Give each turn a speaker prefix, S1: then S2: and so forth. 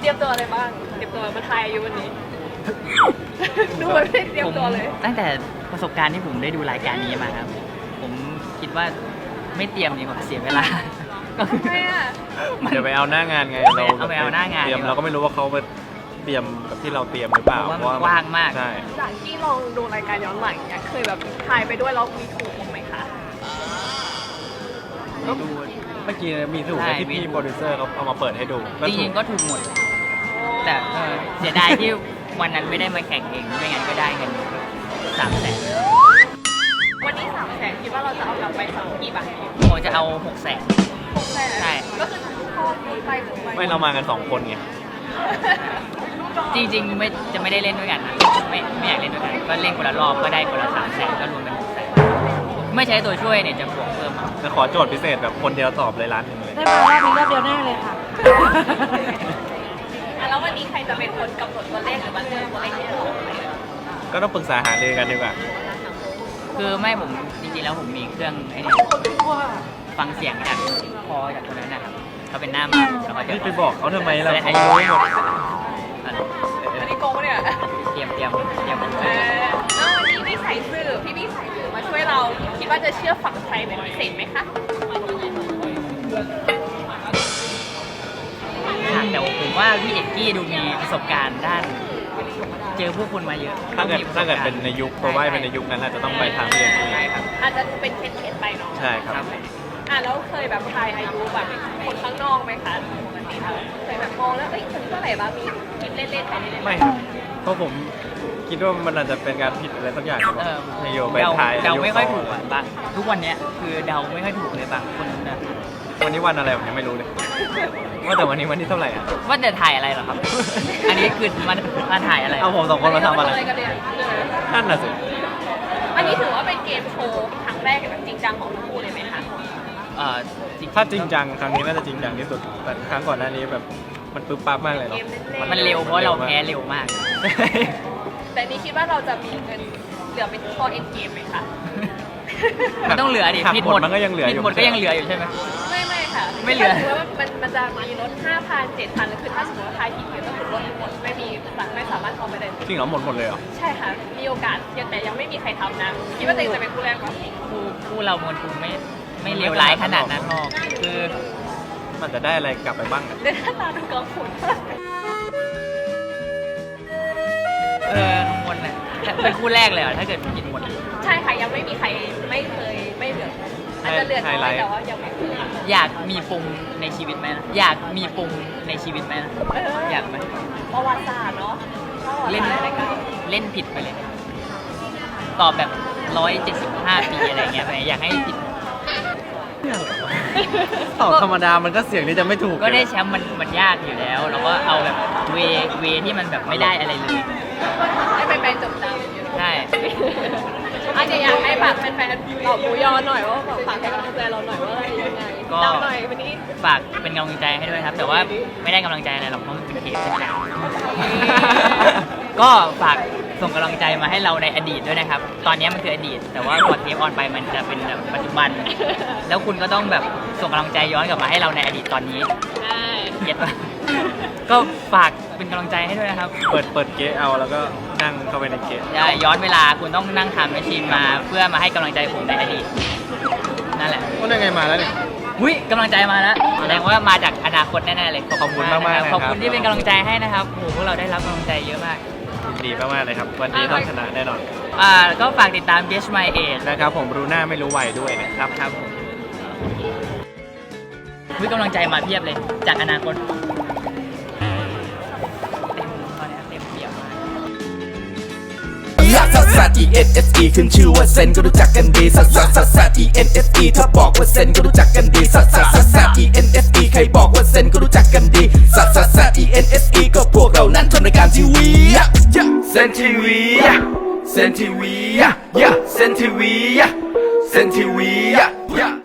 S1: รียมตัวอะไรบ้างเตรียมตัวมาทายอายุวันนี้ ดูไม่ได้เตรียมตัวเลย
S2: ตั้งแต่ประสบการณ์ที่ผมได้ดูรายการนี้มาครับผมคิดว่าไม่เตรียมดีกว่าเสียเวลาก็คือ
S3: เดี๋ยวไปเอาหน้างานไง
S2: เอาไปเอาหน้างาน
S3: เตรียมเราก็ไม่รู้ว่าเขาไปเตรียมกับที่เราเตรียมหรือเปล่า
S2: เพราะว่ากว้างมาก
S3: ใช่
S1: จากที่ลองดูรายการย้อนหลังเนี่ยเคยแบบทายไปด้วยแล้วมีถูกบ้างไหมคะ
S3: ดูเมื่อกี้มีถูกไหมที่พี่โปรดิวเซอร์เขาเอามาเปิดให้ดู
S2: จริงๆก็ถูกหมดแต่เสียดายที่วันนั้นไม่ได้มาแข่งเองไม่งั้นก็ได้เงิน300,000
S1: วันนี้300,000คิดว่าเราจะเอากลับไปสักกี่บาท
S2: ผมจะเอา600,000
S1: 600,000
S2: ใช่
S1: ก็คือพอไป
S3: ไม่เรามากัน2คนไง
S2: จริงๆไม่ได้เล่นด้วยกันนะไม่อยากเล่นด้วยกันก็เล่นคนละรอบก็ได้คนละ300,000ก็รวมเป็น600,000ไม่ใช้ตัวช่วยเนี่ยจะบวกเพิ่ม
S3: จะขอโจทย์พิเศษแบบคนเดียวตอบเลย1,000,000เลย
S4: ได้มารอบนี้รอบเดียวแน่เลยค่ะ
S1: แล้ววันนี้ใครจะเป็นคนกำหนดตัวเลขหรือว่าเลือกตัวเลขที่จะออกไป
S3: ก็ต้องปรึกษาหารือกันดีกว่า
S2: คือไม่ผมจริงๆแล้วผมมีเครื่องไอ้นี่ฟังเสียงจากคอจากคนนั้นนะครับเขาเป็นหน้ามาแล้วเขาจะ
S3: นี่ไปบอกเขาทำไมเรา
S2: อา
S3: เขา
S2: ยุ
S3: รู้หมด
S1: อันนี้โกงเนี่ย
S2: เตรียม
S1: แล้ววันนี้พี่ใส่สื่อพี่ใส่สื่อมาช่วยเราคิดว่าจะเชื่อฝั่งใครเป็นพิเศษไหมคะ
S2: แต่ผมว่าพี่เอกกี้ดูมีประสบการณ์ด้านเจอผู้คนมาเยอะ
S3: ถ้าเกิดเป็นในยุคตัวว่าเป็นในยุคนั้นอาจจะต้องไปทางเรียน
S2: ใช่ครับ
S1: อาจจะเป็นเข็นไปเนาะ
S3: ใช่ครับ
S1: แล้วเคยแบบทายอายุแบบคนข้างนอกไหมคะปกติเคยแบบมองแล้วเอ้ยคนเท่าไหร่บ้างมีคิดเล่นๆไปเล่นๆ
S3: ไม่ครับเพราะผมคิดว่ามันอาจจะเป็นการผิดอะไรสักอย่างครับในโยไปทาย
S2: เดาไม่ค่อยถูกอ่ะบางทุกวันนี้คือเดาไม่ค่อยถูกเลยบางคนนะ
S3: วันนี้วันอะไรผมยังไม่รู้เลยว่าแต่วันนี้วันที่เท่าไหร่อ่ะ
S2: ว่าจะถ่ายอะไรเหรอครับ อันนี้คือมาถ่ายอะไร
S3: เอาผม2คนมาทำอะไร
S1: กันเนี่ย
S3: นั่นน่ะสิ
S1: อันนี้ถือว่าเป็นเกมโชว์ครั้งแรกแบบจริงจังของทั้งคู่เลยไหมคะ
S3: ถ้าจริงจังครั้งนี้น่าจะจริงจังที่สุดแต่ครั้งก่อนหน้านี้แบบมันปึ๊บปั๊บมากเลยเนาะ
S2: มันเร็วเพราะเราแพ้เร็วมาก
S1: แต่นี่คิดว่าเราจะมีเงินเหลือเป็นพอเอ็นเกมไหมคะ
S2: มันต้องเหลือดิ
S3: หัก
S2: ผิด
S3: ห
S2: ห
S3: ม
S2: ม
S3: ด
S2: ด
S3: มันก็ยังเหลืออยู่
S2: ผิดหมดก็ยังเหลืออยู่ใช่ไหม
S1: ไม่ค่ะ
S2: ไม่เหลือ
S1: ถ้าสมมติว่ามันจะมีลด 5,000 7,000แล้วคือถ้าสมมติว่าทายผิดก็คือลดหมดไม่สามารถเข้าไปได้
S3: จริงเหรอหมดเลยเหรอ
S1: ใช่ค่ะมีโอกาสแต่ยังไม่มีใครทำนะคิดว่าตัวเองจะเป็นคู่แรกปะ
S2: คู่เรามวลคุไม่เลวร้ายขนาดนั้นหรอกคือ
S3: มันจะได้อะไรกลับไปบ้างอะ
S1: เดินหน้าตาดูกังวล
S2: ข้างบนน่ะเป็นคู่แรกเลยเหรอถ้าเกิดผิดหมด
S1: ใช่ค่ะยังไม่มีใครไม่เคยไม่เหลืออาจจะเหลือน้อยแต่ว่ายังไม่เคย
S2: อยากมีปมในชีวิตไหมนะอยากมีปมในชีวิตไหมนะอยากไหม
S1: ประวัติศาสตร์เนาะ
S2: เล่นผิดไปเลย ตอบแบบ175 ปีอะไรเงี้ยไปอยากให้ผิด
S3: ตอบธรรมดามันก็เสี่ยงที่จะไม่ถูก
S2: ก็ได้แชมป์มันยากอยู่แล้วเราก็เอาแบบเวที่มันแบบไม่ได้อะไรเลย
S1: ให้แฟนๆจดจำ
S2: ใช่
S1: อาจจะอยากให้แบบแฟนๆตอบหมูยอหน่อยว่าฝากให้กำลังใจเราหน่อยว่ายังไงดาวหน่อยวันนี้
S2: ฝากเป็นกำลังใจให้ด้วยครับ แต่ว่าไม่ได้กำลังใจอะไรหรอกเพราะมันเป็นเทปใช่ไหมก็ฝากส่งกำลังใจมาให้เราในอดีตด้วยนะครับ ตอนนี้มันคืออดีต แต่ว่าพอเทปออนไปมันจะเป็นแบบปัจจุบัน แล้วคุณก็ต้องแบบส่งกำลังใจย้อนกลับมาให้เราในอดีตตอนนี้
S1: ใช่
S2: เก็ตปะก็ฝากเป็นกำลังใจให้ด้วยนะครับ
S3: เปิดเกะเอาแล้วก็นั่งเข้าไปในเกะ
S2: ใช่ย้อนเวลาคุณต้องนั่งทำแมชชีนมาเพื่อมาให้กำลังใจผมในอดีตนั่นแหละ
S3: ก็ได้ไงมาแล้วเนี่ย
S2: อุ้ยกำลังใจมาแล้วแสดงว่ามาจากอนาคตแน่ๆเลย
S3: ขอบคุณมากๆ
S2: นะ
S3: เลย
S2: ขอบคุณ
S3: ครับ
S2: ที่เป็นกำลังใจให้นะครับโอ้โหพวกเราได้รับกำลังใจเยอะมาก
S3: ดีมากๆเลยครับ วันนี้ต้องชนะแน่นอน
S2: ก็ฝากติดตาม Guess My Age
S3: นะครับผมรู้หน้าไม่รู้วัยด้วยนะครับ
S2: ครับผมวิกำลังใจมาเพียบเลยจากอนาคตตอนนี้เต็มเปี่ยมมาก
S5: ซัสซัส E N S E ขึ้นชื่อว่าเซนก็รู้จักกันดีซัสซัสซัสซัส E N S E ถ้าบอกว่าเซนก็รู้จักกันดีซัสซัสซัสซัส E N S E ใครบอกว่าเซนก็รู้จักกันดีซัสซัสซัส E N S E ก็พวกเรานั้นทำรายการทีวีเซนทีวีเซนทีวีเซนทีวีเซนทีวี